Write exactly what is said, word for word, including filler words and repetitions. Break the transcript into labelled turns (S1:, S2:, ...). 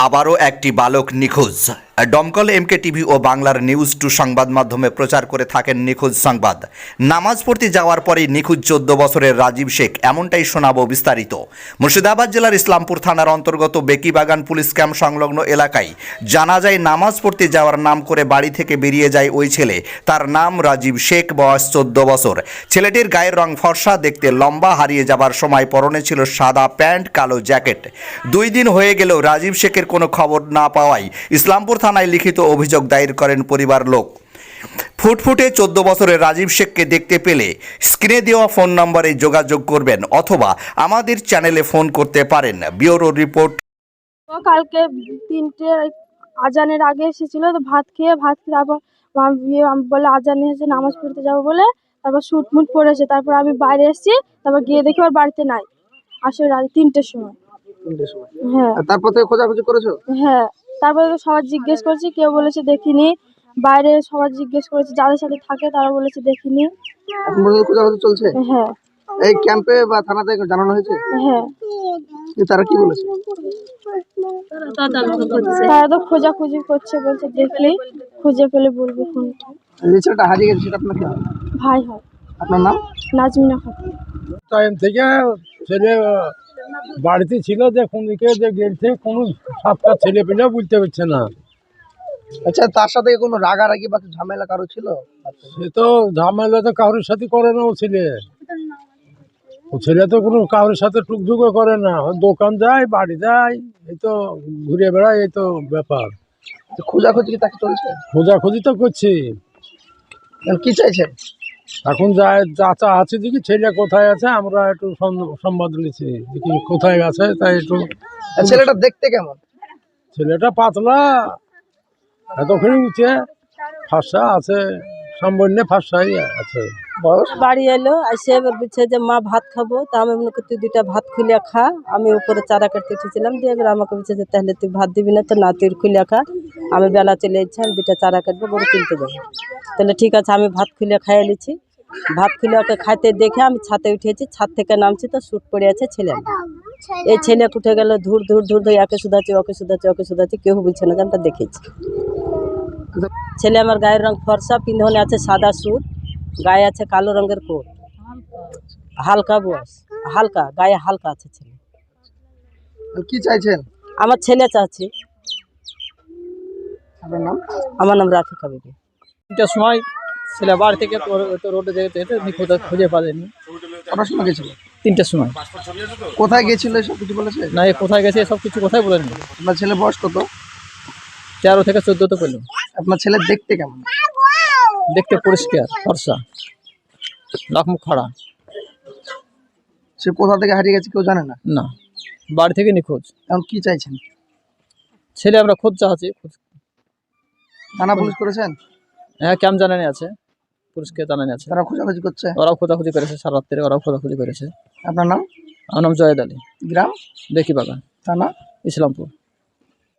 S1: আবারও একটি বালক নিখোঁজ। দমকল এমকে টিভি ও বাংলার নিউজ টু সংবাদ মাধ্যমে প্রচার করে থাকেন নিখোঁজ সংবাদ। নামাজ পড়তে যাওয়ার পরেই নিখোঁজ চোদ্দ বছরের রাজীব শেখ, এমনটাই শোনাবো বিস্তারিত। মুর্শিদাবাদ জেলার ইসলামপুর থানার অন্তর্গত বেকিবাগান পুলিশ ক্যাম্প সংলগ্ন এলাকায় জানা যায়, নামাজ পড়তে যাওয়ার নাম করে বাড়ি থেকে বেরিয়ে যায় ওই ছেলে। তার নাম রাজীব শেখ, বয়স চোদ্দ বছর। ছেলেটির গায়ের রং ফর্সা, দেখতে লম্বা। হারিয়ে যাবার সময় পরনে ছিল সাদা প্যান্ট, কালো জ্যাকেট। দুই দিন হয়ে গেলেও রাজীব শেখের কোনো খবর না পাওয়ায় ইসলামপুর থানায় লিখিত অভিযোগ দায়ের করেন পরিবার লোক। ফুটফুটে চোদ্দ বছরের রাজীব শেখকে দেখতে পেলে স্ক্রিনে দেওয়া ফোন নম্বরে যোগাযোগ করবেন অথবা আমাদের চ্যানেলে ফোন করতে পারেন। Bureau report.
S2: কালকে তিনটে আজানের আগে এসেছিল, তো ভাত খেয়ে ভাত খেয়ে তারপর বলে আজান এসেছে, নামাজ পড়তে যাবো বলে তারপর শুট মুট পড়েছে। তারপর আমি বাইরে এসেছি, তারপর গিয়ে দেখি ওর বাড়িতে নাই। আসলে রাত তিনটের সময়। হ্যাঁ,
S3: তারপর থেকে খোঁজাখুঁজি করেছো?
S2: হ্যাঁ, তারপরে তো সবাই জিজ্ঞেস করেছি, কেউ বলেছে দেখিনি। বাইরে সবাই জিজ্ঞেস করেছে, যাদের সাথে থাকে তারা বলেছে দেখিনি।
S3: এখন পর্যন্ত খোঁজাখুঁজি চলছে?
S2: হ্যাঁ।
S3: এই ক্যাম্পে বা থানাতে জানানো হয়েছে?
S2: হ্যাঁ।
S3: তারা কি বলেছে?
S2: তারা তো খোঁজাখুঁজি করছে, বলছে দেখলে খুঁজে পেলে বলবো ফোনটা।
S3: যে ছেলেটা হারিয়ে গেছে সেটা আপনার কি হয়?
S2: ভাই হয়।
S3: আপনার নাম?
S2: নাজমিনা খাতুন।
S4: টাইম থেকে ছেলে বাড়িতে ছিল, যে কোন দিকে যে গেছে কোনো সাতটা ছেলে পেলে বুঝতে পারছে না।
S3: আচ্ছা, তার সাথে কোনো রাগারাগি বা ঝামেলা কারো ছিল?
S4: সে তো ঝামেলা তো কারোর সাথে করে না। ও ছেলে ও ছেলে তো কোনো কারোর সাথে টুকঝুকও করে না। ও দোকান যায়, বাড়ি যায়, এই তো ঘুরে বেড়ায়, এই তো ব্যাপার।
S3: খোঁজাখুঁজি কি তাকে চলছে?
S4: খোঁজাখুঁজি তো করছি।
S3: এখন কি চাইছেন?
S4: এখন যায় চাচা আছে, দেখি ছেলে কোথায় আছে, আমরা একটু সন- সংবাদ নিচ্ছি দেখি কোথায় আছে। তাই একটু
S3: আর ছেলেটা দেখতে কেমন?
S4: ছেলেটা পাতলা, এতখানি উঠে, ফাঁসা আছে, সামান্য ফাঁসাই আছে।
S3: বয়স?
S5: বাড়ি এলো, এসে এবার বলছে যে মা ভাত খাবো। তা আমি মনে করি তুই দুইটা ভাত খুলে খা। আমি উপরে চারা কাটতে উঠেছিলাম, দিয়ে এবার আমাকে বলছে যে তাহলে তুই ভাত দিবি না, তো না তুই খুলে খা। আমি বেলা চলে যাচ্ছি, আমি দুইটা চারা কাটবো, গরু কিনতে যাবো। তাহলে ঠিক আছে, আমি ভাত খুলে খাইয়ে নিচ্ছি। ভাত খুলে ওকে খাইতে দেখে আমি ছাদে উঠেছি, ছাদ থেকে নামছি তো শুট পড়ে আছে ছেলে। এই ছেলে উঠে গেল, ধুর ধুর ধুর ধুর, একে শুধাচ্ছি, ওকে শুধাচ্ছি, ওকে শুধাচ্ছি, কেউ বলছে না যে আমরা দেখেছি। ছেলে আমার গায়ের রং ফর্সা, পিন্ধনে আছে সাদা স্যুট, গায়ে আছে কালো রঙের কোট, হালকা বয়স, হালকা গায়ে হালকা আছে ছেলে।
S3: এখন কি চাইছেন?
S5: আমার ছেলে চাচ্ছি।
S3: আপনার নাম?
S5: আমার নাম রাফিকা বিবি।
S6: তিনটার সময় ছেলে বাড়ি থেকে তো রোডে যেতে যেতে নিখোঁজ খুঁজে পাবেনি।
S3: কটার সময় গেছিল?
S6: তিনটার সময়।
S3: কোথায় গেছিল সব কিছু বলেছে?
S6: না, এ কোথায় গেছে সব কিছু কোথায় বলেনি।
S3: আপনার ছেলে বয়স কত?
S6: তেরো থেকে চোদ্দ তো পেল।
S3: আপনার ছেলে দেখতে কেমন?
S6: দেখতে পরিষ্কার, ফর্সা, নাক মুখ খাড়া।
S3: সে কোথা থেকে হারিয়ে গেছে কেউ জানে না?
S6: না, বাড়ি থেকে নিখোঁজ।
S3: এখন কি চাইছেন?
S6: ছেলে আমরা খোঁজ চাচ্ছি।
S3: থানা পুলিশ করেছেন?
S6: হ্যাঁ, ক্যাম্প জানানি আছে, পুলিশকে জানানি আছে।
S3: তারা খোঁজাখুঁজি করছে?
S6: ওরাও খোঁজাখুঁজি করেছে, সারা রাত্রে ওরাও খোঁজাখুঁজি করেছে।
S3: আপনার নাম?
S6: আমার নাম জয়েদ আলী,
S3: গ্রাম?
S6: বেকিবাগান,
S3: থানা?
S6: ইসলামপুর।